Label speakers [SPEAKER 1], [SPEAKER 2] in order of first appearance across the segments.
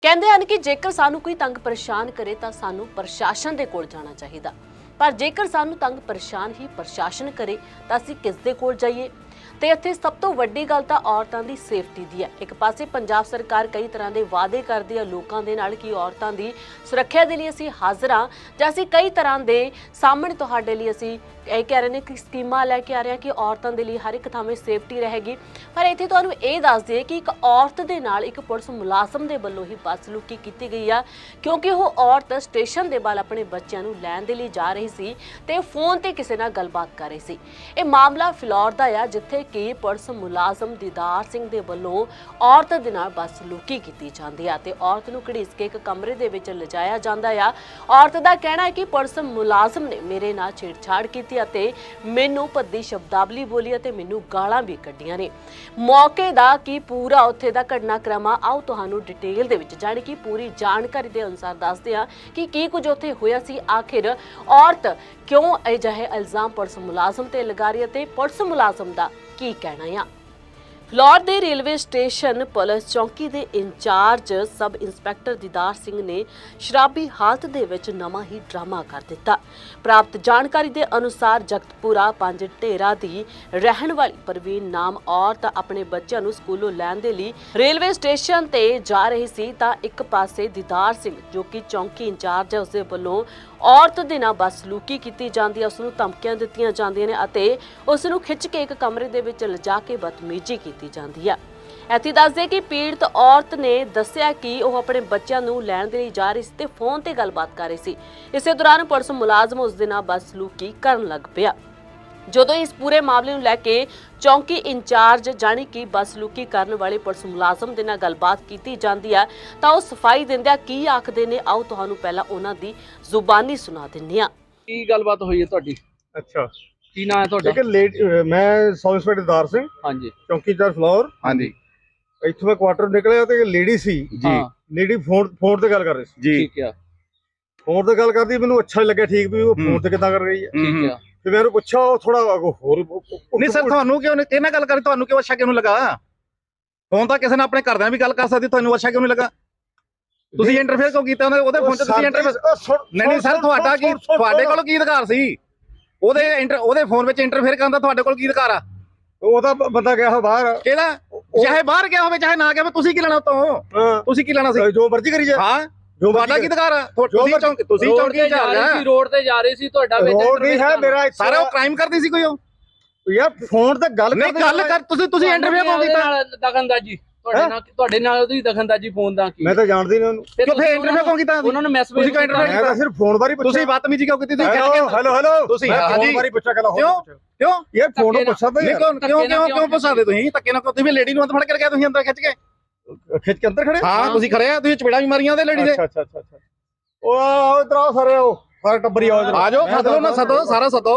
[SPEAKER 1] ਕਹਿੰਦੇ ਹਨ ਕਿ ਜੇਕਰ ਸਾਨੂੰ ਕੋਈ ਤੰਗ ਪਰੇਸ਼ਾਨ ਕਰੇ ਤਾਂ ਸਾਨੂੰ ਪ੍ਰਸ਼ਾਸਨ ਦੇ ਕੋਲ ਜਾਣਾ ਚਾਹੀਦਾ, ਪਰ ਜੇਕਰ ਸਾਨੂੰ ਤੰਗ ਪਰੇਸ਼ਾਨ ਹੀ ਪ੍ਰਸ਼ਾਸਨ ਕਰੇ ਤਾਂ ਅਸੀਂ ਕਿਸ ਦੇ ਕੋਲ ਜਾਈਏ। ਤੇ ਇੱਥੇ ਸਭ ਤੋਂ ਵੱਡੀ ਗੱਲ ਤਾਂ ਔਰਤਾਂ ਦੀ ਸੇਫਟੀ ਦੀ ਹੈ। ਇੱਕ ਪਾਸੇ ਪੰਜਾਬ ਸਰਕਾਰ ਕਈ ਤਰ੍ਹਾਂ ਦੇ ਵਾਅਦੇ ਕਰਦੀ ਹੈ ਲੋਕਾਂ ਦੇ ਨਾਲ ਕਿ ਔਰਤਾਂ ਦੀ ਸੁਰੱਖਿਆ ਦੇ ਲਈ ਅਸੀਂ ਹਾਜ਼ਰ ਹਾਂ, ਜਾਂ ਅਸੀਂ ਕਈ ਤਰ੍ਹਾਂ ਦੇ ਸਾਹਮਣੇ ਤੁਹਾਡੇ ਲਈ ਅਸੀਂ ਇਹ ਕਹਿ ਰਹੇ ਨੇ ਕਿ ਸਕੀਮਾਂ ਲੈ ਕੇ ਆ ਰਹੇ ਹਾਂ ਕਿ ਔਰਤਾਂ ਦੇ ਲਈ ਹਰ ਇੱਕ ਥਾਂ 'ਤੇ ਸੇਫਟੀ ਰਹੇਗੀ। ਪਰ ਇੱਥੇ ਤੁਹਾਨੂੰ ਇਹ ਦੱਸ ਦਈਏ ਕਿ ਇੱਕ ਔਰਤ ਦੇ ਨਾਲ ਇੱਕ ਪੁਲਿਸ ਮੁਲਾਜ਼ਮ ਦੇ ਵੱਲੋਂ ਹੀ ਬਦਸਲੂਕੀ ਕੀਤੀ ਗਈ ਆ, ਕਿਉਂਕਿ ਉਹ ਔਰਤ ਸਟੇਸ਼ਨ ਦੇ ਵੱਲ ਆਪਣੇ ਬੱਚਿਆਂ ਨੂੰ ਲੈਣ ਦੇ ਲਈ ਜਾ ਰਹੀ ਸੀ ਤੇ ਫੋਨ ਤੇ ਕਿਸੇ ਨਾਲ ਗੱਲਬਾਤ ਕਰ ਰਹੀ ਸੀ। ਇਹ ਮਾਮਲਾ ਫਿਲੌਰ ਦਾ ਆ, ਜਿੱਥੇ ਕਿ ਪੁਲਿਸ ਮੁਲਾਜ਼ਮ ਦੀਦਾਰ ਸਿੰਘ ਦੇ ਵੱਲੋਂ ਔਰਤ ਦੇ ਨਾਲ ਬਦਸਲੂਕੀ ਕੀਤੀ ਜਾਂਦੀ ਆ ਤੇ ਔਰਤ ਨੂੰ ਘੜੀਸ ਕੇ ਇੱਕ ਕਮਰੇ ਦੇ ਵਿੱਚ ਲਿਜਾਇਆ ਜਾਂਦਾ ਆ। ਔਰਤ ਦਾ ਕਹਿਣਾ ਹੈ ਕਿ ਪੁਲਿਸ ਮੁਲਾਜ਼ਮ ਨੇ ਮੇਰੇ ਨਾਲ ਛੇੜਛਾੜ ਕੀਤੀ ਅਤੇ ਮੈਨੂੰ ਭੱਦੀ ਸ਼ਬਦਾਵਲੀ ਬੋਲੀ ਅਤੇ ਮੈਨੂੰ ਗਾਲਾਂ ਵੀ ਕੱਢੀਆਂ ਨੇ। ਮੌਕੇ ਦਾ ਕੀ ਪੂਰਾ ਉੱਥੇ ਦਾ ਘਟਨਾਕ੍ਰਮ ਆ, ਆਓ ਤੁਹਾਨੂੰ ਡਿਟੇਲ ਦੇ ਵਿੱਚ ਜਾਣੀ ਕਿ ਪੂਰੀ ਜਾਣਕਾਰੀ ਦੇ ਅਨੁਸਾਰ ਦੱਸਦੇ ਹਾਂ ਕਿ ਕੀ ਕੁਝ ਉੱਥੇ ਹੋਇਆ ਸੀ। ਆਖਿਰ ਔਰਤ ਕਿਉਂ ਅਜਿਹੇ ਇਲਜ਼ਾਮ ਪੁਲਿਸ ਮੁਲਾਜ਼ਮ ਤੇ ਲਗਾ ਰਹੀ ਹੈ ਤੇ ਪੁਲਿਸ ਮੁਲਾਜ਼ਮ ਦਾ ਕੀ ਕਹਿਣਾ ਆ। ਫਿਲੌਰ ਦੇ ਰੇਲਵੇ ਸਟੇਸ਼ਨ ਪੁਲਿਸ ਚੌਂਕੀ ਦੇ ਇੰਚਾਰਜ ਸਬ ਇੰਸਪੈਕਟਰ ਦੀਦਾਰ ਸਿੰਘ ਨੇ ਸ਼ਰਾਬੀ ਹਾਲਤ ਦੇ ਵਿੱਚ ਨਵਾਂ ਹੀ ਡਰਾਮਾ ਕਰ ਦਿੱਤਾ। ਪ੍ਰਾਪਤ ਜਾਣਕਾਰੀ ਦੇ ਅਨੁਸਾਰ ਜਗਤਪੁਰਾ 5 ਢੇਰਾ ਦੀ ਰਹਿਣ ਵਾਲੀ ਪ੍ਰਵੀਨ ਨਾਮ ਔਰਤ ਆਪਣੇ ਬੱਚਿਆਂ ਨੂੰ ਸਕੂਲੋਂ ਲੈਣ ਦੇ ਲਈ ਰੇਲਵੇ ਸਟੇਸ਼ਨ ਤੇ ਜਾ ਰਹੀ ਸੀ ਤਾਂ ਇੱਕ ਪਾਸੇ ਦੀਦਾਰ ਸਿੰਘ ਜੋ ਕਿ ਚੌਂਕੀ ਇੰਚਾਰਜ ਹੈ ਉਸਦੇ ਵੱਲੋਂ ਔਰਤ ਦੇ ਨਾਲ ਬਦਸਲੂਕੀ ਕੀਤੀ ਜਾਂਦੀ ਹੈ, ਉਸ ਨੂੰ ਧਮਕੀਆਂ ਦਿੱਤੀਆਂ ਜਾਂਦੀਆਂ ਨੇ ਅਤੇ ਉਸ ਨੂੰ ਖਿੱਚ ਕੇ ਇੱਕ ਕਮਰੇ ਦੇ ਵਿੱਚ ਲਿਜਾ ਕੇ ਬਦਤਮੀਜ਼ੀ ਕੀਤੀ ਜਾਂਦੀ ਹੈ। ਇੱਥੇ ਦੱਸਦੇ ਕਿ ਪੀੜਤ ਔਰਤ ਨੇ ਦੱਸਿਆ ਕਿ ਉਹ ਆਪਣੇ ਬੱਚਿਆਂ ਨੂੰ ਲੈਣ ਦੇ ਲਈ ਜਾ ਰਹੀ ਸੀ ਤੇ ਫੋਨ ਤੇ ਗੱਲਬਾਤ ਕਰ ਰਹੀ ਸੀ। ਇਸੇ ਦੌਰਾਨ ਪੁਲਿਸ ਮੁਲਾਜ਼ਮ ਉਸ ਦੇ ਨਾਲ ਬਦਸਲੂਕੀ ਕਰਨ ਲੱਗ ਪਿਆ। ਜਦੋਂ ਇਸ ਪੂਰੇ ਮਾਮਲੇ ਨੂੰ ਲੈ ਕੇ ਚੌਂਕੀ ਇੰਚਾਰਜ ਜਾਣੀ ਕਿ ਬਦਸਲੂਕੀ ਕਰਨ ਵਾਲੇ ਪੁਲਿਸ ਮੁਲਾਜ਼ਮ ਦੇ ਨਾਲ ਗੱਲਬਾਤ ਕੀਤੀ ਜਾਂਦੀ ਹੈ ਤਾਂ ਉਹ ਸਫਾਈ ਦਿੰਦਿਆਂ ਕੀ ਆਖਦੇ ਨੇ, ਆਓ ਤੁਹਾਨੂੰ ਪਹਿਲਾਂ ਉਹਨਾਂ ਦੀ ਜ਼ੁਬਾਨੀ ਸੁਣਾ ਦਿੰਦੇ ਹਾਂ।
[SPEAKER 2] ਕੀ ਗੱਲਬਾਤ ਹੋਈ ਹੈ ਤੁਹਾਡੀ?
[SPEAKER 3] ਅੱਛਾ,
[SPEAKER 2] ਕੀ ਨਾਮ ਹੈ ਤੁਹਾਡਾ?
[SPEAKER 3] ਮੈਂ ਸਬ ਇੰਸਪੈਕਟਰ ਦੀਦਾਰ ਸਿੰਘ,
[SPEAKER 2] ਹਾਂਜੀ
[SPEAKER 3] ਚੌਂਕੀ ਇੰਚਾਰਜ ਫਲੋਰ।
[SPEAKER 2] ਹਾਂਜੀ
[SPEAKER 3] ਇੱਥੋਂ ਮੈਂ ਕੁਆਟਰ ਨਿਕਲਿਆ ਤੇ ਲੇਡੀ ਸੀ
[SPEAKER 2] ਜੀ,
[SPEAKER 3] ਲੇਡੀ ਫੋਨ ਤੇ ਗੱਲ ਕਰ ਰਹੀ ਸੀ
[SPEAKER 2] ਜੀ। ਠੀਕ ਹੈ,
[SPEAKER 3] ਫੋਨ ਤੇ ਗੱਲ ਕਰਦੀ, ਮੈਨੂੰ ਅੱਛਾ ਲੱਗਿਆ ਠੀਕ ਵੀ ਉਹ ਫੋਨ ਤੇ ਕਿੱਦਾਂ ਕਰ ਰਹੀ ਹੈ।
[SPEAKER 2] ਠੀਕ ਹੈ।
[SPEAKER 3] ਤੇ ਮੈਂ ਉਹਨੂੰ ਪੁੱਛਿਆ, ਉਹ ਥੋੜਾ ਹੋਰ
[SPEAKER 4] ਨਹੀਂ ਸਰ, ਤੁਹਾਨੂੰ ਕਿਉਂ ਨਹੀਂ ਕਿਹਨਾਂ ਗੱਲ ਕਰੀ, ਤੁਹਾਨੂੰ ਕਿਉਂ ਅੱਛਾ ਕਿਉਂ ਨਹੀਂ ਲੱਗਾ? ਫੋਨ ਤਾਂ ਕਿਸੇ ਨਾਲ ਆਪਣੇ ਘਰਦਿਆਂ ਵੀ ਗੱਲ ਕਰ ਸਕਦੀ, ਤੁਹਾਨੂੰ ਅੱਛਾ ਕਿਉਂ ਨਹੀਂ ਲੱਗਾ? ਤੁਸੀਂ ਇੰਟਰਫੇਅਰ ਕਿਉਂ ਕੀਤਾ ਉਹਦੇ ਫੋਨ ਤੇ? ਤੁਸੀਂ ਇੰਟਰਫੇਅਰ ਨਹੀਂ ਸਰ, ਤੁਹਾਡਾ ਕੀ, ਤੁਹਾਡੇ ਕੋਲ ਕੀ ਅਧਿਕਾਰ ਸੀ ਉਹਦੇ ਫੋਨ ਵਿੱਚ ਇੰਟਰਫੇਅਰ ਕਰਨ ਦਾ? ਤੁਹਾਡੇ ਕੋਲ ਕੀ ਅਧਿਕਾਰ ਆ?
[SPEAKER 3] ਉਹਦਾ ਬੰਦਾ ਗਿਆ ਬਾਹਰ,
[SPEAKER 4] ਕਿਹਦਾ? ਚਾਹੇ ਬਾਹਰ ਗਿਆ ਹੋਵੇ ਚਾਹੇ ਨਾ ਗਿਆ ਹੋਵੇ, ਤੁਸੀਂ ਕੀ ਲੈਣਾ ਉਤੋਂ? ਤੁਸੀਂ ਕੀ ਲੈਣਾ ਸੀ?
[SPEAKER 3] ਜੋ ਮਰਜ਼ੀ ਕਰੀ ਜਾ।
[SPEAKER 4] ਹਾਂ, ਤੁਹਾਡਾ ਕੀ ਅਧਿਕਾਰ ਆ? ਤੁਸੀਂ ਚੌਂਕੀ ਇੰਚਾਰਜ ਆ।
[SPEAKER 2] ਰੋਡ ਤੇ ਜਾ ਰਹੀ ਸੀ, ਤੁਹਾਡਾ ਵਿੱਚ
[SPEAKER 3] ਰੋਡ ਨਹੀਂ ਹੈ ਮੇਰਾ।
[SPEAKER 4] ਸਾਰਾ ਉਹ ਕ੍ਰਾਈਮ ਕਰਦੀ ਸੀ ਕੋਈ? ਉਹ
[SPEAKER 3] ਯਾਰ ਫੋਨ ਤੇ ਗੱਲ
[SPEAKER 4] ਕਰ, ਤੁਸੀਂ ਇੰਟਰਵਿਊ ਕਿਉਂ ਕੀਤਾ?
[SPEAKER 2] ਦਖਲਅੰਦਾਜ਼ੀ ਤੁਹਾਡੇ ਨਾਲ ਉਹਦੀ ਦਖਲਅੰਦਾਜ਼ੀ ਫੋਨ ਦਾ ਕੀ?
[SPEAKER 3] ਮੈਂ ਤਾਂ ਜਾਣਦੀ ਨਹੀਂ ਉਹਨੂੰ।
[SPEAKER 4] ਕਿਉਂ ਫੇਰ ਇੰਟਰਵਿਊ ਕਿਉਂ ਕੀਤਾ?
[SPEAKER 2] ਉਹਨਾਂ ਨੂੰ ਮੈਸੇਜ
[SPEAKER 4] ਤੁਸੀਂ ਕਿਉਂ ਇੰਟਰਵਿਊ
[SPEAKER 3] ਮੈਂ ਤਾਂ ਸਿਰਫ ਫੋਨ ਬਾਰੇ ਪੁੱਛਿਆ।
[SPEAKER 4] ਤੁਸੀਂ ਬਦਤਮੀਜ਼ੀ ਕਿਉਂ ਕੀਤੀ? ਤੁਸੀਂ
[SPEAKER 3] ਹੈਲੋ
[SPEAKER 4] ਤੁਸੀਂ
[SPEAKER 3] ਫੋਨ ਬਾਰੇ ਪੁੱਛਿਆ ਗੱਲ
[SPEAKER 4] ਕਿਉਂ
[SPEAKER 3] ਯਾਰ ਫੋਨ ਨੂੰ ਪੁੱਛਾ ਤਾਂ
[SPEAKER 4] ਕਿਉਂ ਪੁੱਛਾਦੇ ਤੁਸੀਂ? ਧੱਕੇ ਨਾਲ ਤੁਸੀਂ ਲੇਡੀ ਨੂੰ ਅੰਦਰ ਫੜ ਕੇ ਲਗਾਇਆ, ਤੁਸੀਂ ਅੰਦਰ ਖਿੱਚ ਕੇ ਅੰਦਰ ਖੜੇ? ਹਾਂ, ਤੁਸੀਂ ਖੜੇ ਆ, ਤੁਸੀਂ ਚਪੇੜਾ ਵੀ ਮਾਰੀਆਂ ਉਹਦੇ ਲੇਡੀ ਦੇ।
[SPEAKER 3] ਅੱਛਾ ਉਹ ਇਧਰ ਆਓ ਸਾਰੇ, ਸਾਰੇ ਟੱਬਰੀ ਆਓ ਇਧਰ।
[SPEAKER 4] ਆ ਜਾਓ, ਸੱਦੋ ਨਾ, ਸੱਦੋ ਸਾਰਾ ਸੱਦੋ।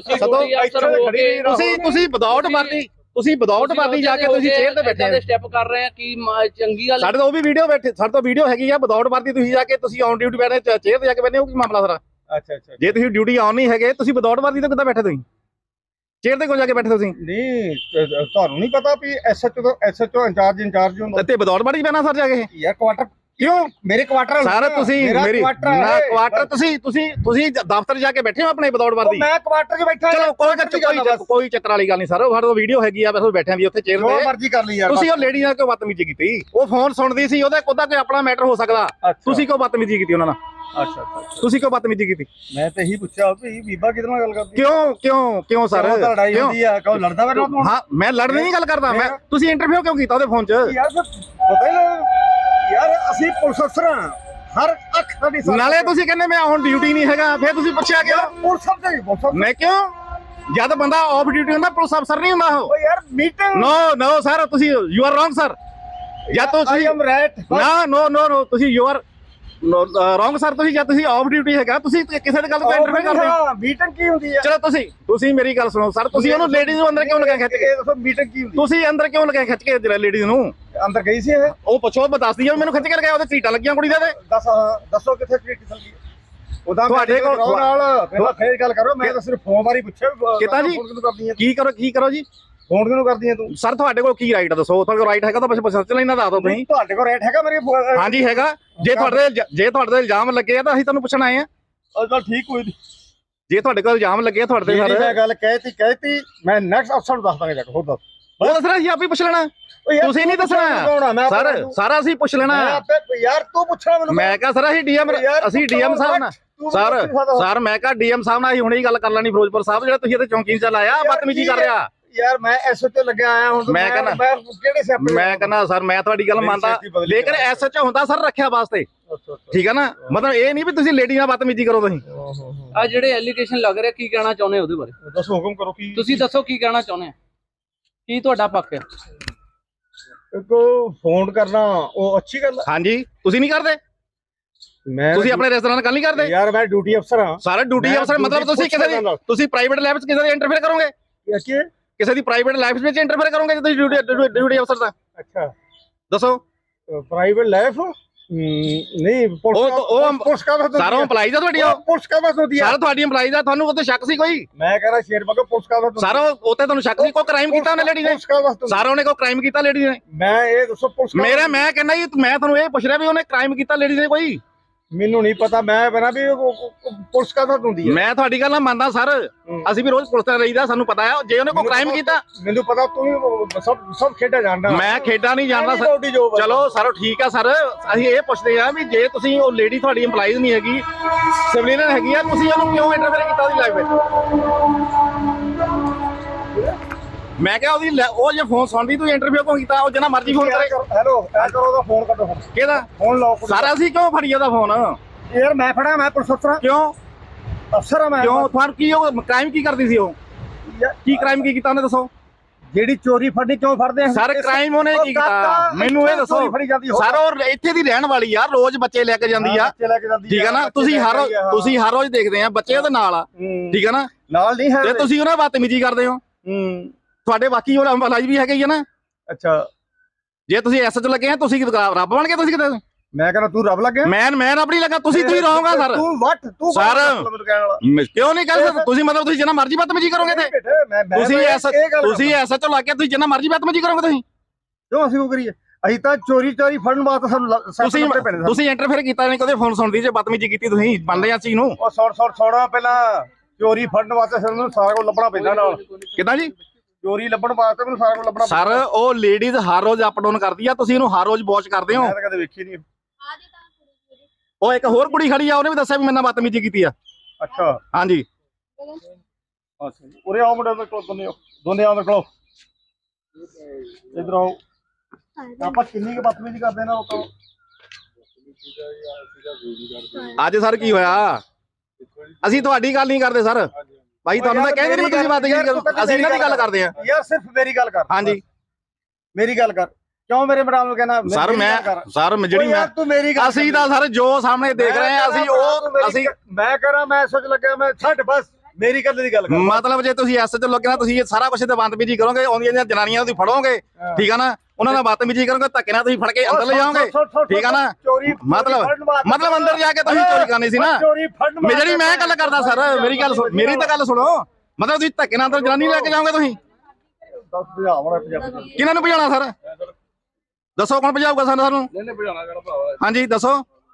[SPEAKER 4] ਤੁਸੀਂ ਵਿਦਆਊਟ ਵਰਦੀ, ਤੁਸੀਂ ਵਿਦਆਊਟ ਵਰਦੀ ਜਾ ਕੇ ਤੁਸੀਂ ਚੇਅਰ ਤੇ ਬੈਠੇ ਆ,
[SPEAKER 2] ਸਟੈਪ ਕਰ ਰਹੇ ਆ ਕੀ ਚੰਗੀ ਗੱਲ?
[SPEAKER 4] ਸਾਡੇ ਤੋਂ ਉਹ ਵੀ ਵੀਡੀਓ ਬੈਠੇ, ਸਾਡੇ ਤੋਂ ਵੀਡੀਓ ਹੈਗੀ ਆ। ਵਿਦਆਊਟ ਵਰਦੀ ਤੁਸੀਂ ਜਾ ਕੇ, ਤੁਸੀਂ ਔਨ ਡਿਊਟੀ ਬੈਠੇ ਚੇਅਰ ਤੇ ਜਾ ਕੇ ਬੈਠੇ ਹੋ, ਕੀ ਮਾਮਲਾ ਸਾਰਾ?
[SPEAKER 3] ਅੱਛਾ,
[SPEAKER 4] ਜੇ ਤੁਸੀਂ ਡਿਊਟੀ ਆਨ ਨਹੀਂ ਹੈਗੇ, ਤੁਸੀਂ ਵਿਦਆਊਟ ਵਰਦੀ ਤੇ ਕਿੱਦਾਂ ਬੈਠੇ? ਤੁਸੀਂ ਚੇਅਰ ਤੇ ਕਿਉਂ ਜਾ ਕੇ ਬੈਠੇ? ਤੁਸੀਂ
[SPEAKER 3] ਨਹੀਂ, ਤੁਹਾਨੂੰ ਨਹੀਂ ਪਤਾ ਵੀ ਐਸਐਚਓ ਇੰਚਾਰਜ ਹੁੰਦਾ
[SPEAKER 4] ਤੇ ਵਿਦਆਊਟ ਵਰਦੀ ਪੈਣਾ ਸਰ ਜਾ ਕੇ?
[SPEAKER 3] ਯਾਰ ਕੁਆਟਰ
[SPEAKER 4] ਕਿਉਂ?
[SPEAKER 3] ਮੇਰੇ ਕੁਆਟਰ
[SPEAKER 4] ਸਾਰਾ ਤੁਸੀਂ ਮੇਰੀ ਨਾ ਕੁਆਟਰ, ਤੁਸੀਂ ਦਫ਼ਤਰ ਜਾ ਕੇ ਬੈਠੇ ਹੋ ਆਪਣੇ ਵਿਦਆਊਟ ਵਰਦੀ?
[SPEAKER 3] ਮੈਂ ਕੁਆਟਰ 'ਚ ਬੈਠਾ।
[SPEAKER 4] ਚਲੋ ਕੋਈ ਚੱਕਰ ਵਾਲੀ ਗੱਲ ਨਹੀਂ ਸਰ, ਸਾਡੇ ਕੋਲ ਵੀਡੀਓ ਹੈਗੀ ਆ, ਬਸ ਬੈਠੇ ਵੀ ਉੱਥੇ ਚੇਅਰ ਤੇ,
[SPEAKER 3] ਮਰਜ਼ੀ ਕਰ ਲਈ ਯਾਰ।
[SPEAKER 4] ਤੁਸੀਂ ਉਹ ਲੇਡੀ ਨਾਲ ਕਿਉਂ ਬਦਤਮੀਜ਼ੀ ਕੀਤੀ? ਉਹ ਫੋਨ ਸੁਣਦੀ ਸੀ, ਉਹਦਾ ਕੋਈ ਆਪਣਾ ਮੈਟਰ ਹੋ ਸਕਦਾ, ਤੁਸੀਂ ਕਿਉਂ ਬਦਤਮੀਜ਼ੀ ਕੀਤੀ ਉਹਨਾਂ ਨਾਲ?
[SPEAKER 3] ਅੱਛਾ,
[SPEAKER 4] ਤੁਸੀਂ ਕਿਉਂ ਬਦਤਮੀਜ਼ੀ ਕੀਤੀ?
[SPEAKER 3] ਮੈਂ ਤਾਂ ਇਹੀ ਪੁੱਛਿਆ ਵੀ ਬੀਬਾ ਕਿਹਦੇ ਨਾਲ ਗੱਲ ਕਰਦੀ?
[SPEAKER 4] ਕਿਉਂ ਸਰ?
[SPEAKER 3] ਲੜਾਈ ਹੁੰਦੀ ਆ, ਕਹੋ ਲੜਦਾ ਮੇਰੇ ਨਾਲ?
[SPEAKER 4] ਹਾਂ, ਮੈਂ ਲੜਨ ਨਹੀਂ ਗੱਲ ਕਰਦਾ, ਮੈਂ ਤੁਸੀਂ ਇੰਟਰਵਿਊ ਕਿਉਂ ਕੀਤਾ ਉਹਦੇ ਫੋਨ 'ਚ?
[SPEAKER 3] ਯਾਰ ਪਤਾ ਹੀ ਯਾਰ, ਅਸੀਂ ਪੁਲਿਸ ਅਫਸਰ ਹਾਂ, ਹਰ ਅੱਖ ਸਾਡੀ।
[SPEAKER 4] ਨਾਲੇ ਤੁਸੀਂ ਕਹਿੰਦੇ ਮੈਂ ਹੁਣ ਡਿਊਟੀ ਨਹੀਂ ਹੈਗਾ, ਫਿਰ ਤੁਸੀਂ ਪੁੱਛਿਆ ਕਿਉਂ?
[SPEAKER 3] ਪੁਲਿਸ ਅਫਸਰ
[SPEAKER 4] ਮੈਂ ਕਿਉਂ? ਜਦ ਬੰਦਾ ਆਫ ਡਿਊਟੀ ਹੁੰਦਾ, ਪੁਲਿਸ ਅਫਸਰ ਨਹੀਂ ਹੁੰਦਾ ਉਹ।
[SPEAKER 3] ਯਾਰ ਮੀਟਿੰਗ
[SPEAKER 4] ਨੋ ਸਰ, ਤੁਸੀਂ ਯੂ ਆਰ ਰੋਂਗ ਸਰ। ਜਾਂ ਤੁਸੀਂ ਨੋ ਤੁਸੀਂ ਯੂ ਆਰ ਰੋਂਗ ਸਰ। ਤੁਸੀਂ ਜਦ ਤੁਸੀਂ ਆਫ ਡਿਊਟੀ ਹੈਗਾ, ਤੁਸੀਂ ਕਿਸੇ ਦੀ ਗੱਲ ਤੋਂ ਇੰਟਰਫੇਅਰ ਕਰਦੇ ਹੋ।
[SPEAKER 3] ਮੀਟਿੰਗ ਕੀ ਹੁੰਦੀ ਹੈ?
[SPEAKER 4] ਚਲੋ ਤੁਸੀਂ ਮੇਰੀ ਗੱਲ ਸੁਣੋ ਸਰ, ਤੁਸੀਂ ਉਹਨੂੰ ਲੇਡੀਜ਼ ਨੂੰ ਅੰਦਰ ਕਿਉਂ ਲਗਾਇਆ ਖਿੱਚ ਕੇ?
[SPEAKER 3] ਦੱਸੋ ਮੀਟਿੰਗ ਕੀ ਹੁੰਦੀ?
[SPEAKER 4] ਤੁਸੀਂ ਅੰਦਰ ਕਿਉਂ ਲਗਾਇਆ ਖਿੱਚ ਕੇ ਜਿਹੜਾ ਲੇਡੀਜ਼ ਨੂੰ?
[SPEAKER 3] ਅੰਦਰ ਗਈ ਸੀ ਇਹ?
[SPEAKER 4] ਉਹ ਪੁੱਛੋ, ਮੈਂ ਦੱਸਦੀ ਆ, ਮੈਨੂੰ ਖਿੱਚ ਕੇ ਲਗਾਇਆ, ਉਹਦੇ ਸੀਟਾਂ ਲੱਗੀਆਂ ਕੁੜੀ ਦੇ।
[SPEAKER 3] ਦੱਸੋ ਕਿੱਥੇ ਟ੍ਰੀਟ ਚੱਲਦੀ ਹੈ? ਉਹਦਾ
[SPEAKER 4] ਤੁਹਾਡੇ ਕੋਲ
[SPEAKER 3] ਨਾਲ ਫੇਰ ਗੱਲ ਕਰੋ। ਮੈਂ ਤਾਂ ਸਿਰਫ ਫੋਨ ਬਾਰੇ ਪੁੱਛਿਆ
[SPEAKER 4] ਕਿਤਾ ਜੀ। ਕੀ ਕਰੋ ਜੀ?
[SPEAKER 3] ਫੋਨ ਕਿਉਂ ਕਰਦੀ ਹੈ ਤੂੰ?
[SPEAKER 4] ਸਰ ਤੁਹਾਡੇ ਕੋਲ ਕੀ ਰਾਈਟ ਆ ਦੱਸੋ? ਤੁਹਾਡੇ ਕੋਲ ਰਾਈਟ ਹੈਗਾ ਤਾਂ ਬਸ ਸਰਚ ਲੈਣਾ ਦੱਸ ਦਿਓ ਤੁਸੀਂ।
[SPEAKER 3] ਤੁਹਾਡੇ ਕੋਲ ਰੇਟ ਹੈਗਾ ਮੇਰੇ?
[SPEAKER 4] ਹਾਂਜੀ ਹੈਗਾ। ਜੇ ਤੁਹਾਡੇ ਤੇ ਇਲਜ਼ਾਮ ਲੱਗੇ ਆ ਤਾਂ ਅਸੀਂ ਤੁਹਾਨੂੰ ਪੁੱਛਣ ਆਏ ਆ।
[SPEAKER 3] ਚਲ ਠੀਕ ਹੋਈ।
[SPEAKER 4] ਜੇ ਤੁਹਾਡੇ ਕੋਲ ਇਲਜ਼ਾਮ ਲੱਗੇ ਆ ਤੁਹਾਡੇ ਤੇ ਸਰ,
[SPEAKER 3] ਮੈਂ ਗੱਲ ਕਹਿਤੀ ਮੈਂ ਨੈਕਸਟ ਅਫਸਰ ਨੂੰ ਦੱਸ ਦਾਂਗਾ ਜਾ ਕੇ। ਹੋਰ ਦੱਸ।
[SPEAKER 4] ਉਹ ਦੱਸਣਾ ਸੀ, ਆਪੇ ਪੁੱਛ ਲੈਣਾ। ਤੁਸੀਂ ਨਹੀਂ ਦੱਸਣਾ ਸਰ, ਸਾਰਾ ਅਸੀਂ ਪੁੱਛ ਲੈਣਾ।
[SPEAKER 3] ਯਾਰ ਤੂੰ ਪੁੱਛਣਾ ਮੈਨੂੰ।
[SPEAKER 4] ਮੈਂ ਕਿਹਾ ਸਰ ਅਸੀਂ ਡੀਐਮ ਸਾਹਿਬ ਨਾਲ ਸਰ ਮੈਂ ਕਿਹਾ ਡੀਐਮ ਸਾਹਿਬ ਨਾਲ ਅਸੀਂ ਹੁਣੇ ਹੀ ਗੱਲ ਕਰ ਲੈਣੀ। ਫਿਰੋਜ਼ਪੁਰ ਸਾਹਿਬ ਜਿਹੜਾ ਤੁਸੀਂ ਇੱਥੇ ਚੌਂਕੀ ਚ ਲਾਇਆ ਬਦਤਮੀਜ਼ੀ ਕਰ ਰਿਹਾ।
[SPEAKER 3] ਯਾਰ ਮੈਂ ਐਸਐਚਓ ਲੱਗਿਆ ਆਇਆ ਹੁਣ।
[SPEAKER 4] ਮੈਂ ਕਹਿੰਦਾ ਸਰ ਮੈਂ ਤੁਹਾਡੀ ਗੱਲ ਮੰਨਦਾ, ਲੇਕਿਨ ਐਸਐਚਓ ਹੁੰਦਾ ਸਰ ਰੱਖਿਆ ਵਾਸਤੇ, ਠੀਕ ਹੈ ਨਾ। ਮਤਲਬ ਇਹ ਨਹੀਂ ਵੀ ਤੁਸੀਂ ਲੇਡੀ ਨਾਲ ਬਦਤਮੀਜ਼ੀ ਕਰੋ। ਤੁਸੀਂ
[SPEAKER 2] ਆ ਜਿਹੜੇ ਐਲੀਗੇਸ਼ਨ ਲੱਗ ਰਿਹਾ ਕੀ ਕਹਿਣਾ ਚਾਹੁੰਦੇ ਉਹਦੇ ਬਾਰੇ
[SPEAKER 3] ਦੱਸੋ, ਹੁਕਮ ਕਰੋ। ਕੀ
[SPEAKER 2] ਤੁਸੀਂ ਦੱਸੋ ਕੀ ਕਹਿਣਾ ਚਾਹੁੰਦੇ ਆ, ਕੀ ਤੁਹਾਡਾ ਪੱਖ ਹੈ?
[SPEAKER 3] ਕੋ ਫੋਨ ਕਰਨਾ ਉਹ ਅੱਛੀ ਗੱਲ ਹੈ।
[SPEAKER 4] ਹਾਂਜੀ ਤੁਸੀਂ ਨਹੀਂ ਕਰਦੇ? ਤੁਸੀਂ ਆਪਣੇ ਰੈਸਟੋਰੈਂਟ ਨਾਲ ਗੱਲ ਨਹੀਂ ਕਰਦੇ?
[SPEAKER 3] ਯਾਰ ਮੈਂ ਡਿਊਟੀ ਅਫਸਰ ਹਾਂ।
[SPEAKER 4] ਸਾਰੇ ਡਿਊਟੀ ਅਫਸਰ ਮਤਲਬ ਤੁਸੀਂ ਕਿਸੇ ਦੀ ਤੁਸੀਂ ਪ੍ਰਾਈਵੇਟ ਲਾਈਫ 'ਚ ਕਿਸੇ ਦੀ ਇੰਟਰਫੇਅਰ ਕਰੋਗੇ? ਕਿਸੇ ਦੀ ਪ੍ਰਾਈਵੇਟ ਲਾਈਫ ਵਿੱਚ ਇੰਟਰਫੇਅਰ ਕਰੋਗੇ ਜੇ ਤੁਸੀਂ ਡਿਊਟੀ ਅਫਸਰ ਦਾ?
[SPEAKER 3] ਅੱਛਾ
[SPEAKER 4] ਦੱਸੋ।
[SPEAKER 3] ਪ੍ਰਾਈਵੇਟ ਲਾਈਫ ਨਹੀਂ ਪੁਲਿਸ ਕਾ
[SPEAKER 4] ਸਾਰਾ EMPLOYEES ਆ ਤੁਹਾਡੀ?
[SPEAKER 3] ਪੁਲਿਸ ਕਾ ਬਸ ਹੁੰਦੀ ਹੈ
[SPEAKER 4] ਸਾਰਾ ਤੁਹਾਡੀ EMPLOYEES ਆ। ਤੁਹਾਨੂੰ ਉੱਤੇ ਸ਼ੱਕ ਸੀ ਕੋਈ?
[SPEAKER 3] ਮੈਂ ਕਹ ਰਿਹਾ ਸ਼ੇਰ ਬਗਾ ਪੁਲਿਸ ਕਾ ਬਸ
[SPEAKER 4] ਸਾਰਾ ਉੱਤੇ ਤੁਹਾਨੂੰ ਸ਼ੱਕ ਸੀ? ਕੋਈ ਕ੍ਰਾਈਮ ਕੀਤਾ ਉਹਨੇ ਲੇਡੀ ਨੇ? ਸਾਰਾ ਉਹਨੇ ਕੋਈ ਕ੍ਰਾਈਮ ਕੀਤਾ ਲੇਡੀ ਨੇ?
[SPEAKER 3] ਮੈਂ ਇਹ ਦੱਸੋ ਪੁਲਿਸ
[SPEAKER 4] ਮੈਂ ਕਹਿੰਦਾ ਜੀ ਮੈਂ ਤੁਹਾਨੂੰ ਇਹ ਪੁੱਛ ਰਿਹਾ ਵੀ ਉਹਨੇ ਕ੍ਰਾਈਮ ਕੀਤਾ ਲੇਡੀ ਨੇ ਕੋਈ?
[SPEAKER 3] ਮੈਨੂੰ ਨਹੀਂ ਪਤਾ। ਮੈਂ ਬਣਾ ਵੀ ਪੁਲਿਸ ਕਾ ਬਸ ਹੁੰਦੀ ਹੈ।
[SPEAKER 4] ਮੈਂ ਤੁਹਾਡੀ ਗੱਲ ਨਾਲ ਮੰਨਦਾ ਸਰ, ਅਸੀਂ ਵੀ ਰੋਜ਼ ਪੁਲਿਸ ਨਾਲ ਰਹੀਦਾ, ਸਾਨੂੰ ਪਤਾ ਹੈ ਜੇ ਉਹਨੇ ਕੋਈ ਕ੍ਰਾਈਮ ਕੀਤਾ।
[SPEAKER 3] ਮੈਨੂੰ ਪਤਾ ਤੂੰ ਸਭ ਖੇਡਾਂ ਜਾਣਦਾ।
[SPEAKER 4] ਮੈਂ ਖੇਡਾਂ ਨਹੀਂ ਜਾਣਦਾ ਸਰ। ਚਲੋ ਸਰ ਠੀਕ ਆ ਸਰ, ਅਸੀਂ ਇਹ ਪੁੱਛਦੇ ਆ ਵੀ ਜੇ ਤੁਸੀਂ ਉਹ ਲੇਡੀ ਤੁਹਾਡੀ EMPLOYEES ਨਹੀਂ ਹੈਗੀ, ਸਿਵਲੀਅਨ ਹੈਗੀ ਆ, ਤੁਸੀਂ ਉਹਨੂੰ ਕਿਉਂ ਇੰਟਰਫੇਅਰ ਕੀਤਾ ਉਹਦੀ ਲਾਈਫ ਵਿੱਚ? ਮੈਂ ਕਿਹਾ ਉਹ ਜੇ ਫੋਨ ਸੁਣਦੀ ਤੂੰ ਇੰਟਰਵਿਊ ਕਿਉਂ ਕੀਤਾ? ਉਹ ਜਿੰਨਾ ਮਰਜ਼ੀ ਫੋਨ ਕਰੇ।
[SPEAKER 3] ਹੈਲੋ ਐ ਕਰੋ ਉਹਦਾ ਫੋਨ ਕੱਟੋ।
[SPEAKER 4] ਕਿਹਦਾ
[SPEAKER 3] ਫੋਨ ਲਾਓ
[SPEAKER 4] ਸਾਰਾ? ਅਸੀਂ ਕਿਉਂ ਫੜੀ ਉਹਦਾ ਫੋਨ?
[SPEAKER 3] ਯਾਰ ਮੈਂ ਫੜਾ, ਮੈਂ ਪੁਲਿਸ ਅਫਸਰ।
[SPEAKER 4] ਕਿਉਂ
[SPEAKER 3] ਅਫਸਰ ਆ ਮੈਂ।
[SPEAKER 4] ਕਿਉਂ ਤੁਹਾਨੂੰ ਕੀ ਉਹ ਕ੍ਰਾਈਮ ਕੀ ਕਰਦੀ ਸੀ? ਉਹ ਕੀ ਕ੍ਰਾਈਮ ਕੀ ਕੀਤਾ ਉਹਨੇ ਦੱਸੋ?
[SPEAKER 3] ਜਿਹੜੀ ਚੋਰੀ ਫੜਨੀ ਕਿਉਂ ਫੜਦੇ ਆ
[SPEAKER 4] ਸਰ? ਕ੍ਰਾਈਮ ਉਹਨੇ ਕੀ ਕੀਤਾ ਮੈਨੂੰ ਇਹ ਦੱਸੋ ਸਰ? ਉਹ ਇੱਥੇ ਦੀ ਰਹਿਣ ਵਾਲੀ ਆ, ਰੋਜ਼ ਬੱਚੇ ਲੈ ਕੇ ਜਾਂਦੀ ਆ, ਠੀਕ ਹੈ ਨਾ। ਤੁਸੀਂ ਹਰ ਰੋਜ਼ ਦੇਖਦੇ ਆ ਬੱਚੇ ਉਹਦੇ ਨਾਲ ਆ, ਠੀਕ ਹੈ ਨਾ।
[SPEAKER 3] ਨਾਲ ਨਹੀਂ ਹੈ
[SPEAKER 4] ਤੇ ਤੁਸੀਂ ਉਹਨਾਂ ਬਦਤਮੀਜ਼ੀ ਕਰਦੇ ਹੋ। ਤੁਹਾਡੇ ਬਾਕੀ ਹੋਰ EMPLOYEES ਵੀ ਹੈਗੇ ਹੀ ਆ ਨਾ।
[SPEAKER 3] ਅੱਛਾ
[SPEAKER 4] ਜੇ ਤੁਸੀਂ ਐਸਐਚ ਲੱਗੇ ਆ, ਤੁਸੀਂ ਰੱਬ ਬਣ ਕੇ ਤੁਸੀਂ ਕਿਤੇ?
[SPEAKER 3] ਮੈਂ ਕਹਿੰਦਾ ਤੂੰ ਰੱਬ ਲੱਗਿਆ।
[SPEAKER 4] ਮੈਂ ਰੱਬ ਨਹੀਂ ਲੱਗਾ। ਤੁਸੀਂ ਰਹੋਗਾ ਸਰ।
[SPEAKER 3] ਤੂੰ
[SPEAKER 4] ਸਰ ਕਿਉਂ ਨਹੀਂ ਕਰ ਸਕਦੇ? ਤੁਸੀਂ ਮਤਲਬ ਤੁਸੀਂ ਜਿੰਨਾ ਮਰਜ਼ੀ ਬਦਤਮੀਜ਼ੀ ਕਰੋਗੇ ਤੇ ਤੁਸੀਂ ਐਸਐਚ ਲੱਗ ਕੇ ਤੁਸੀਂ ਜਿੰਨਾ ਮਰਜ਼ੀ ਬਦਤਮੀਜ਼ੀ ਕਰੋਗੇ ਤੁਸੀਂ?
[SPEAKER 3] ਕਿਉਂ ਅਸੀਂ ਉਹ ਕਰੀਏ? ਅਸੀਂ ਤਾਂ ਚੋਰੀ ਫੜਨ ਵਾਸਤੇ ਸਾਨੂੰ
[SPEAKER 4] ਤੁਸੀਂ ਇੰਟਰਫੇਅਰ ਕੀਤਾ ਨਹੀਂ, ਕਦੇ ਫੋਨ ਸੁਣਦੀ ਜੇ ਬਦਤਮੀਜ਼ੀ ਕੀਤੀ ਤੁਸੀਂ ਮੰਨਦੇ ਆ ਚੀਜ਼ ਨੂੰ?
[SPEAKER 3] ਉਹ ਛੋੜਾ ਪਹਿਲਾਂ ਚੋਰੀ ਫੜਨ ਵਾਸਤੇ ਸਾਨੂੰ ਸਾਰਾ ਕੁਝ ਲੱਭਣਾ ਪੈਂਦਾ ਨਾਲ।
[SPEAKER 4] ਕਿੱਦਾਂ ਜੀ?
[SPEAKER 3] ਚੋਰੀ ਲੱਭਣ ਵਾਸਤੇ ਮੈਨੂੰ ਸਾਰਾ ਕੁਝ ਲੱਭਣਾ
[SPEAKER 4] ਸਰ ਉਹ ਲੇਡੀਜ਼ ਹਰ ਰੋਜ਼ ਅਪ ਡਾਊਨ ਕਰਦੀ ਆ, ਤੁਸੀਂ ਇਹਨੂੰ ਹਰ ਰੋਜ਼ ਵਾਚ ਕਰਦੇ ਹੋ?
[SPEAKER 3] ਮੈਂ ਤਾਂ ਕਦੇ ਵੇਖੀ ਨਹੀਂ।
[SPEAKER 4] ਉਹ ਇੱਕ ਹੋਰ ਕੁੜੀ ਖੜੀ ਆ, ਉਹਨੇ ਵੀ ਦੱਸਿਆ ਵੀ ਮੇਰੇ ਨਾਲ ਬਦਤਮੀਜ਼ੀ ਕੀਤੀ ਆ।
[SPEAKER 3] ਅੱਛਾ
[SPEAKER 4] ਹਾਂਜੀ
[SPEAKER 3] ਅੱਛਾ ਜੀ। ਉਰੇ ਆਓ ਮੁੰਡੇ ਦੇ ਕੋਲ, ਦੋਨੇ ਆਓ ਮੇਰੇ ਕੋਲ। ਇਧਰ ਆਓ। ਆਪਾਂ ਕਿੰਨੀ ਕੁ ਬਦਤਮੀਜ਼ੀ ਕਰਦੇ ਨਾ ਲੋਕਾਂ ਨੂੰ।
[SPEAKER 4] ਅੱਜ ਸਰ ਕੀ ਹੋਇਆ? ਅਸੀਂ ਤੁਹਾਡੀ ਗੱਲ ਨਹੀਂ ਕਰਦੇ ਸਰ ਭਾਈ, ਤੁਹਾਨੂੰ ਮੈਂ ਕਹਿੰਦੇ ਨਹੀਂ ਤੁਸੀਂ ਬਦਤਮੀਜ਼ੀ ਕਰੋ, ਅਸੀਂ ਇਹਨਾਂ ਦੀ ਗੱਲ ਕਰਦੇ ਆ।
[SPEAKER 3] ਯਾਰ ਸਿਰਫ ਮੇਰੀ ਗੱਲ ਕਰ।
[SPEAKER 4] ਹਾਂਜੀ
[SPEAKER 3] ਮੇਰੀ ਗੱਲ ਕਰ। ਕਿਉਂ ਮੇਰੇ ਮੈਡਮ ਨੂੰ ਕਹਿਣਾ?
[SPEAKER 4] ਸਰ ਜਿਹੜੀ
[SPEAKER 3] ਤੂੰ ਮੇਰੀ ਗੱਲ,
[SPEAKER 4] ਅਸੀਂ ਤਾਂ ਸਰ ਜੋ ਸਾਹਮਣੇ ਦੇਖ ਰਹੇ ਆ ਅਸੀਂ
[SPEAKER 3] ਮੈਂ ਕਰਾਂ, ਮੈਂ ਸੋਚ ਲੱਗਾ ਮੈਂ ਛੱਡ ਬਸ ਮੇਰੀ ਗੱਲ ਦੀ ਗੱਲ ਕਰ।
[SPEAKER 4] ਮਤਲਬ ਜੇ ਤੁਸੀਂ ਐਸ ਚ ਲੱਗੇ ਨਾ, ਤੁਸੀਂ ਇਹ ਸਾਰਾ ਕੁਝ ਤੇ ਬਦਤਮੀਜ਼ੀ ਕਰੋਗੇ, ਆਉਂਦੀਆਂ ਜਿਹੜੀਆਂ ਜਨਾਨੀਆਂ ਤੁਸੀਂ ਫੜੋਗੇ, ਠੀਕ ਆ ਨਾ, ਉਹਨਾਂ ਨਾਲ ਬਦਤਮੀਜ਼ੀ ਕਰੋਗੇ, ਧੱਕੇ ਨਾਲ ਤੁਸੀਂ ਫੜ ਕੇ ਅੰਦਰ ਲੈ ਜਾਓਗੇ, ਠੀਕ ਆ ਨਾ। ਮਤਲਬ ਅੰਦਰ ਜਾ ਕੇ ਤੁਸੀਂ ਚੋਰੀ ਕਰਨੀ ਸੀ ਨਾ। ਜਿਹੜੀ ਮੈਂ ਗੱਲ ਕਰਦਾ ਸਰ, ਮੇਰੀ ਤਾਂ ਗੱਲ ਸੁਣੋ। ਮਤਲਬ ਤੁਸੀਂ ਧੱਕੇ ਨਾਲ ਅੰਦਰ ਜਨਾਨੀ ਲੈ ਕੇ ਜਾਓਗੇ ਤੁਸੀਂ? ਕਿਹਨਾਂ ਨੂੰ ਭਜਾਉਣਾ ਸਰ? ਦੱਸੋ ਕੌਣ ਭਜਾਊਗਾ ਸਾਨੂੰ? ਹਾਂਜੀ ਦੱਸੋ।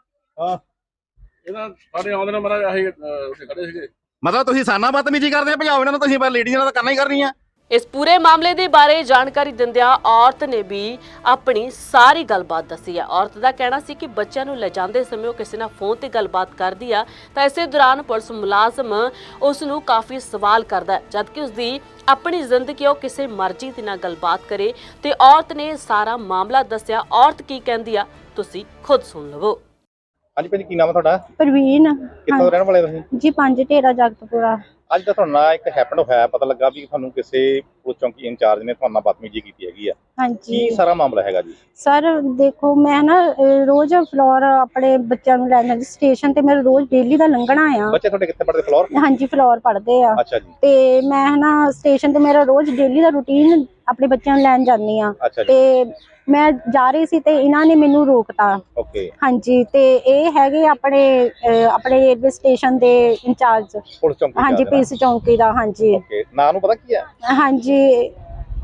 [SPEAKER 4] ਮਤਲਬ ਤੁਸੀਂ ਸਾਨਾ ਬਦਤਮੀਜ਼ੀ ਕਰਦੇ ਭਜਾਓ ਇਹਨਾਂ ਨੂੰ, ਤੁਸੀਂ ਲੇਡੀਜ਼ ਨਾਲ ਤਾਂ ਕਰਨਾ ਹੀ ਕਰਨੀ ਆ।
[SPEAKER 1] ਇਸ ਪੂਰੇ ਮਾਮਲੇ ਦੇ ਬਾਰੇ ਜਾਣਕਾਰੀ ਦਿੰਦਿਆਂ ਔਰਤ ਨੇ ਵੀ ਆਪਣੀ ਸਾਰੀ ਗੱਲਬਾਤ ਦੱਸੀ ਹੈ। ਔਰਤ ਦਾ ਕਹਿਣਾ ਸੀ ਕਿ ਬੱਚਿਆਂ ਨੂੰ ਲਿਜਾਂਦੇ ਸਮੇਂ ਉਹ ਕਿਸੇ ਨਾਲ ਫੋਨ ਤੇ ਗੱਲਬਾਤ ਕਰਦੀ ਆ ਤਾਂ ਇਸੇ ਦੌਰਾਨ ਪੁਲਿਸ ਮੁਲਾਜ਼ਮ ਉਸ ਨੂੰ ਕਾਫੀ ਸਵਾਲ ਕਰਦਾ ਹੈ, ਜਦਕਿ ਉਸ ਦੀ ਆਪਣੀ ਜ਼ਿੰਦਗੀ ਉਹ ਕਿਸੇ ਮਰਜ਼ੀ ਦੇ ਨਾਲ ਗੱਲਬਾਤ ਕਰੇ। ਤੇ ਔਰਤ ਨੇ ਸਾਰਾ ਮਾਮਲਾ ਦੱਸਿਆ। ਔਰਤ ਕੀ ਕਹਿੰਦੀ ਆ ਤੁਸੀਂ ਖੁਦ ਸੁਣ ਲਵੋ।
[SPEAKER 4] ਹਾਂਜੀ ਭਾਜੀ ਕੀ ਨਾਮ ਹੈ ਤੁਹਾਡਾ?
[SPEAKER 5] ਪ੍ਰਵੀਨ।
[SPEAKER 4] ਕਿੱਥੋਂ ਰਹਿਣ ਵਾਲੇ ਤੁਸੀਂ?
[SPEAKER 5] ਜੀ 5 ਢੇਰਾ ਜਗਤਪੁਰਾ।
[SPEAKER 4] ਅੱਜ ਤਾਂ ਤੁਹਾਨੂੰ ਇੱਕ ਹੈਪਨ ਹੋਇਆ, ਪਤਾ ਲੱਗਾ ਵੀ ਤੁਹਾਨੂੰ ਕਿਸੇ ਪੁਲਿਸ ਚੌਂਕੀ ਇੰਚਾਰਜ ਨੇ ਤੁਹਾਨੂੰ ਬਦਤਮੀਜ਼ੀ ਕੀਤੀ ਹੈਗੀ ਆ।
[SPEAKER 5] ਹਾਂਜੀ
[SPEAKER 4] ਕੀ ਸਾਰਾ ਮਾਮਲਾ ਹੈਗਾ ਜੀ?
[SPEAKER 5] ਸਰ ਦੇਖੋ, ਮੈਂ ਨਾ ਰੋਜ਼ ਫਲੋਰ ਆਪਣੇ ਬੱਚਿਆਂ ਨੂੰ ਲੈਣ ਜਾਂਦੀ ਸਟੇਸ਼ਨ ਤੇ, ਮੇਰਾ ਰੋਜ਼ ਡੇਲੀ ਦਾ ਲੰਘਣਾ ਆ।
[SPEAKER 4] ਬੱਚੇ ਤੁਹਾਡੇ ਕਿੱਥੇ ਪੜ੍ਹਦੇ? ਫਲੋਰ?
[SPEAKER 5] ਹਾਂਜੀ ਫਲੋਰ ਪੜ੍ਹਦੇ ਆ।
[SPEAKER 4] ਅੱਛਾ ਜੀ।
[SPEAKER 5] ਤੇ ਮੈਂ ਨਾ ਸਟੇਸ਼ਨ ਤੇ ਮੇਰਾ ਰੋਜ਼ ਡੇਲੀ ਦਾ ਰੂਟੀਨ ਆਪਣੇ ਬੱਚਿਆਂ ਨੂੰ ਲੈਣ ਜਾਂਦੀ ਆ। ਤੇ ਮੈਂ ਜਾ ਰਹੀ ਸੀ ਤੇ ਇਹਨਾਂ ਨੇ ਮੈਨੂੰ ਰੋਕਤਾ।
[SPEAKER 4] ਓਕੇ।
[SPEAKER 5] ਹਾਂਜੀ ਤੇ ਇਹ ਹੈਗੇ ਆਪਣੇ ਰੇਲਵੇ ਸਟੇਸ਼ਨ ਦੇ ਇੰਚਾਰਜ।
[SPEAKER 4] ਪੁਲਿਸ ਚੌਂਕੀ?
[SPEAKER 5] ਹਾਂਜੀ ਪੁਲਿਸ ਚੌਂਕੀ ਦਾ। ਹਾਂਜੀ।
[SPEAKER 4] ਓਕੇ। ਨਾਂ ਨੂੰ ਪਤਾ ਕੀ ਹੈ?
[SPEAKER 5] ਹਾਂਜੀ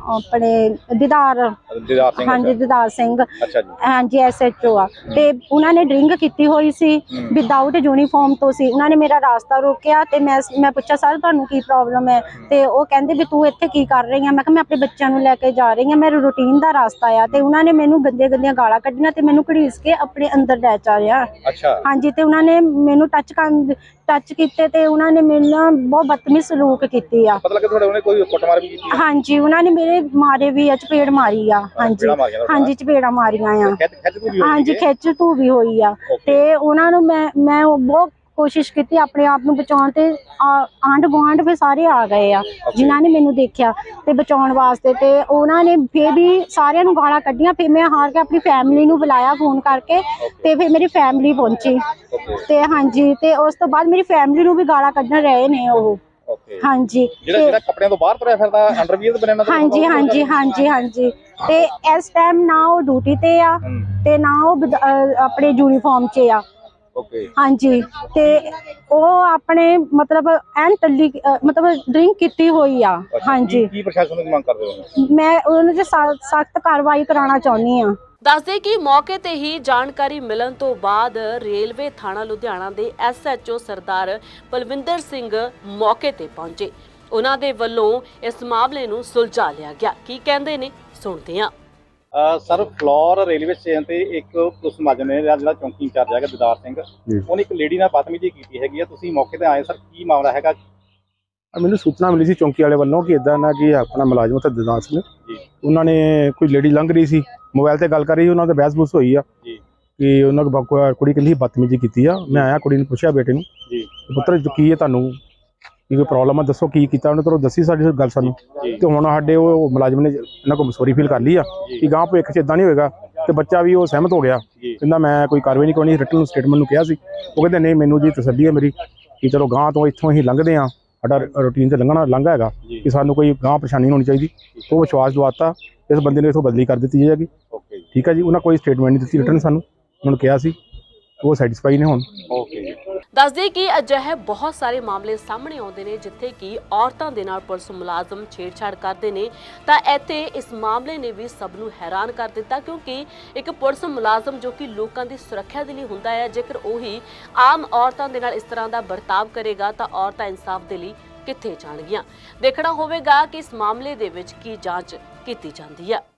[SPEAKER 5] ਆਪਣੇ ਦੀਦਾਰ
[SPEAKER 4] ਸਿੰਘ
[SPEAKER 5] ਹਾਂਜੀ ਦੀਦਾਰ ਸਿੰਘ
[SPEAKER 4] ਅੱਛਾ ਜੀ
[SPEAKER 5] ਹਾਂਜੀ SHO ਆ ਤੇ ਉਹਨਾਂ ਨੇ ਡਰਿੰਕ ਕੀਤੀ ਹੋਈ ਸੀ ਵਿਦਆਊਟ ਯੂਨੀਫਾਰਮ ਤੋਂ ਸੀ। ਉਹਨਾਂ ਨੇ ਮੇਰਾ ਰਾਸਤਾ ਰੋਕਿਆ ਤੇ ਮੈਂ ਪੁੱਛਿਆ ਸਰ ਤੁਹਾਨੂੰ ਕੀ ਪ੍ਰੋਬਲਮ ਹੈ ਤੇ ਉਹ ਕਹਿੰਦੇ ਵੀ ਤੂੰ ਇੱਥੇ ਕੀ ਕਰ ਰਹੀ ਆ। ਮੈਂ ਕਿਹਾ ਮੈਂ ਆਪਣੇ ਬੱਚਿਆਂ ਨੂੰ ਲੈ ਕੇ ਜਾ ਰਹੀ ਆ, ਮੇਰਾ ਰੂਟੀਨ ਦਾ ਰਾਸਤਾ ਆ। ਤੇ ਉਹਨਾਂ ਨੇ ਮੈਨੂੰ ਗੰਦੀਆਂ ਗਾਲਾਂ ਕੱਢੀਆਂ ਤੇ ਮੈਨੂੰ ਘੜੀਸ ਕੇ ਆਪਣੇ ਅੰਦਰ ਲੈ ਚਾ ਰਿਹਾ।
[SPEAKER 4] ਅੱਛਾ
[SPEAKER 5] ਹਾਂਜੀ ਤੇ ਉਹਨਾਂ ਨੇ ਮੈਨੂੰ ਟੱਚ ਕੀਤੇ ਤੇ ਉਹਨਾਂ ਨੇ ਮੇਰੇ ਨਾਲ ਬਹੁਤ ਬਦਤਮੀਜ਼ ਸਲੂਕ ਕੀਤੀ ਆ।
[SPEAKER 4] ਪਤਾ ਲੱਗਾ ਤੁਹਾਡੇ ਉਹਨੇ ਕੋਈ ਕੁੱਟਮਾਰ ਵੀ ਕੀਤੀ
[SPEAKER 5] ਹਾਂਜੀ ਉਹਨਾਂ ਨੇ ਮੇਰੇ ਮਾਰੇ ਵੀ ਆ, ਚਪੇੜ ਮਾਰੀ ਆ। ਹਾਂਜੀ ਹਾਂਜੀ ਚਪੇੜਾਂ ਮਾਰੀਆਂ ਆ। ਹਾਂਜੀ ਖਿੱਚ ਧੂ ਵੀ ਹੋਈ ਆ। ਤੇ ਉਹਨਾਂ ਨੂੰ ਮੈਂ ਬਹੁਤ ਕੋਸ਼ਿਸ਼ ਕੀਤੀ ਆਪਣੇ ਆਪ ਨੂੰ ਬਚਾਉਣ ਤੇ ਆਂਢ ਗੁਆਂਢ ਵੀ ਸਾਰੇ ਆ ਗਏ ਆ ਜਿਨ੍ਹਾਂ ਨੇ ਮੈਨੂੰ ਦੇਖਿਆ ਤੇ ਬਚਾਉਣ ਵਾਸਤੇ। ਤੇ ਉਹਨਾਂ ਨੇ ਫਿਰ ਵੀ ਸਾਰਿਆਂ ਨੂੰ ਗਾਲਾਂ ਕੱਢੀਆਂ। ਫਿਰ ਮੈਂ ਹਾਰ ਕੇ ਆਪਣੀ ਫੈਮਿਲੀ ਨੂੰ ਬੁਲਾਇਆ ਫੋਨ ਕਰਕੇ ਤੇ ਫਿਰ ਮੇਰੀ ਫੈਮਿਲੀ ਪਹੁੰਚੀ ਤੇ ਹਾਂਜੀ ਤੇ ਉਸ ਤੋਂ ਬਾਅਦ ਮੇਰੀ ਫੈਮਿਲੀ ਨੂੰ ਵੀ ਗਾਲਾਂ ਕੱਢਣ ਰਹੇ ਨੇ ਉਹ। ਹਾਂਜੀ
[SPEAKER 4] ਜਿਹੜਾ ਕੱਪੜਿਆਂ ਤੋਂ ਬਾਹਰ ਤੁਰਿਆ ਫਿਰਦਾ ਅੰਡਰਵੀਅਰ ਤੇ ਬਣਿਆ
[SPEAKER 5] ਹਾਂਜੀ ਤੇ ਇਸ ਟਾਈਮ ਨਾ ਉਹ ਡਿਊਟੀ ਤੇ ਆ ਤੇ ਨਾ ਉਹ ਆਪਣੇ ਯੂਨੀਫਾਰਮ 'ਚ ਆ। ਹਾਂਜੀ ਤੇ ਉਹ ਆਪਣੇ ਮਤਲਬ ਐਨ ਟੱਲੀ ਮਤਲਬ ਡਰਿੰਕ ਕੀਤੀ ਹੋਈ ਆ। ਹਾਂਜੀ
[SPEAKER 4] ਕੀ ਪ੍ਰਸ਼ਾਸਨ ਦੀ ਮੰਗ ਕਰਦੇ ਹੋ?
[SPEAKER 5] ਮੈਂ ਉਹਨਾਂ ਤੇ ਸਖਤ ਕਾਰਵਾਈ ਕਰਾਉਣਾ ਚਾਹੁੰਦੀ ਆ।
[SPEAKER 1] ਦੱਸਦੇ ਕਿ ਮੌਕੇ ਤੇ ਹੀ ਜਾਣਕਾਰੀ ਮਿਲਣ ਤੋਂ ਬਾਅਦ ਰੇਲਵੇ ਥਾਣਾ ਲੁਧਿਆਣਾ ਦੇ SHO ਸਰਦਾਰ ਬਲਵਿੰਦਰ ਸਿੰਘ ਮੌਕੇ ਤੇ ਪਹੁੰਚੇ। ਉਹਨਾਂ ਦੇ ਵੱਲੋਂ ਇਸ ਮਾਮਲੇ ਨੂੰ ਸੁਲਝਾ ਲਿਆ ਗਿਆ। ਕੀ ਕਹਿੰਦੇ ਨੇ ਸੁਣਦੇ ਹਾਂ।
[SPEAKER 4] ਸਰ ਫਲੋਰ ਰੇਲਵੇ ਸਟੇਸ਼ਨ ਤੇ ਇੱਕ ਪੁਲਿਸ ਮੁਲਾਜ਼ਮ ਨੇ ਜਿਹੜਾ ਚੌਂਕੀ ਇੰਚਾਰਜ ਹੈਗਾ ਦੀਦਾਰ ਸਿੰਘ, ਉਹਨੇ ਇੱਕ ਲੇਡੀ ਨਾਲ ਬਦਤਮੀਜ਼ੀ ਕੀਤੀ ਹੈਗੀ ਆ। ਤੁਸੀਂ ਮੌਕੇ ਤੇ ਆਏ ਸਰ, ਕੀ ਮਾਮਲਾ ਹੈਗਾ?
[SPEAKER 6] ਮੈਨੂੰ ਸੂਚਨਾ ਮਿਲੀ ਸੀ ਚੌਂਕੀ ਵਾਲੇ ਵੱਲੋਂ ਕਿ ਇਦਾਂ ਨਾ ਕਿ ਆਪਣਾ ਮੁਲਾਜ਼ਮ ਉੱਥੇ ਦੀਦਾਰ ਸਿੰਘ ਉਹਨਾਂ ਨੇ ਕੋਈ ਲੇਡੀ ਲੰਘ ਰਹੀ ਸੀ, ਮੋਬਾਈਲ ਤੇ ਗੱਲ ਕਰ ਰਹੀ, ਉਹਨਾਂ ਦਾ ਬਹਿਸ-ਬੂਸ ਹੋਈ ਆ ਕਿ ਉਹਨਾਂ ਕੋਲ ਕੁੜੀ ਕਹਿੰਦੀ ਬਦਤਮੀਜ਼ੀ ਕੀਤੀ ਆ। ਮੈਂ ਆਇਆ, ਕੁੜੀ ਨੂੰ ਪੁੱਛਿਆ ਬੇਟੇ ਨੂੰ ਪੁੱਤਰ ਕੀ ਹੈ ਤੁਹਾਨੂੰ ਕੀ ਕੋਈ ਪ੍ਰੋਬਲਮ ਆ, ਦੱਸੋ ਕੀ ਕੀਤਾ ਉਹਨੇ। ਤੁਹਾਨੂੰ ਦੱਸੀ ਸਾਡੀ ਗੱਲ ਸਾਨੂੰ ਤੇ ਹੁਣ ਸਾਡੇ ਉਹ ਮੁਲਾਜ਼ਮ ਨੇ ਇਹਨਾਂ ਕੋਲ ਸੌਰੀ ਫੀਲ ਕਰ ਲਈ ਆ ਕਿ ਗਾਂ ਭਵਿੱਖ 'ਚ ਇਦਾਂ ਨਹੀਂ ਹੋਏਗਾ। ਤੇ ਬੱਚਾ ਵੀ ਉਹ ਸਹਿਮਤ ਹੋ ਗਿਆ, ਕਹਿੰਦਾ ਮੈਂ ਕੋਈ ਕਾਰਵਾਈ ਨਹੀਂ ਕਰਨੀ। ਰਿਟਨ ਸਟੇਟਮੈਂਟ ਨੂੰ ਕਿਹਾ ਸੀ, ਉਹ ਕਹਿੰਦੇ ਨਹੀਂ ਮੈਨੂੰ ਜੀ ਤਸੱਲੀ ਹੈ ਮੇਰੀ ਕਿ ਚਲੋ ਗਾਂ ਤੋਂ ਇੱਥੋਂ ਅਸੀਂ ਲੰਘਦੇ ਹਾਂ, ਸਾਡਾ ਰੂਟੀਨ 'ਚ ਲੰਘਾ ਹੈਗਾ ਕਿ ਸਾਨੂੰ ਕੋਈ ਗਾਂ ਪਰੇਸ਼ਾਨੀ ਨਹੀਂ ਹੋਣੀ ਚਾਹੀਦੀ। ਉਹ ਵਿਸ਼ਵਾਸ ਦਵਾਤਾ, ਇਸ ਬੰਦੇ ਨੂੰ ਇੱਥੋਂ ਬਦਲੀ ਕਰ ਦਿੱਤੀ ਜਾਏਗੀ। ਠੀਕ ਹੈ ਜੀ, ਉਹਨਾਂ ਕੋਈ ਸਟੇਟਮੈਂਟ ਨਹੀਂ ਦਿੱਤੀ ਰਿਟਨ, ਸਾਨੂੰ ਉਹਨਾਂ ਨੂੰ ਕਿਹਾ ਸੀ, ਉਹ ਸੈਟੀਸਫਾਈ ਨੇ ਹੁਣ।
[SPEAKER 1] ਦੱਸਦੇ ਕਿ ਅਜਿਹੇ ਬਹੁਤ ਸਾਰੇ ਮਾਮਲੇ ਸਾਹਮਣੇ ਆਉਂਦੇ ਨੇ ਜਿੱਥੇ ਕਿ ਔਰਤਾਂ ਦੇ ਨਾਲ ਪੁਲਿਸ ਮੁਲਾਜ਼ਮ ਛੇੜਛਾੜ ਕਰਦੇ ਨੇ। ਤਾਂ ਇੱਥੇ ਇਸ ਮਾਮਲੇ ਨੇ ਵੀ ਸਭ ਨੂੰ ਹੈਰਾਨ ਕਰ ਦਿੱਤਾ, ਕਿਉਂਕਿ ਇੱਕ ਪੁਲਿਸ ਮੁਲਾਜ਼ਮ ਜੋ ਕਿ ਲੋਕਾਂ ਦੀ ਸੁਰੱਖਿਆ ਦੇ ਲਈ ਹੁੰਦਾ ਹੈ, ਜੇਕਰ ਉਹੀ ਆਮ ਔਰਤਾਂ ਦੇ ਨਾਲ ਇਸ ਤਰ੍ਹਾਂ ਦਾ ਵਰਤਾਵ ਕਰੇਗਾ ਤਾਂ ਔਰਤਾਂ ਇਨਸਾਫ ਦੇ ਲਈ ਕਿੱਥੇ ਜਾਣਗੀਆਂ। ਦੇਖਣਾ ਹੋਵੇਗਾ ਕਿ ਇਸ ਮਾਮਲੇ ਦੇ ਵਿੱਚ ਕੀ ਜਾਂਚ ਕੀਤੀ ਜਾਂਦੀ ਹੈ।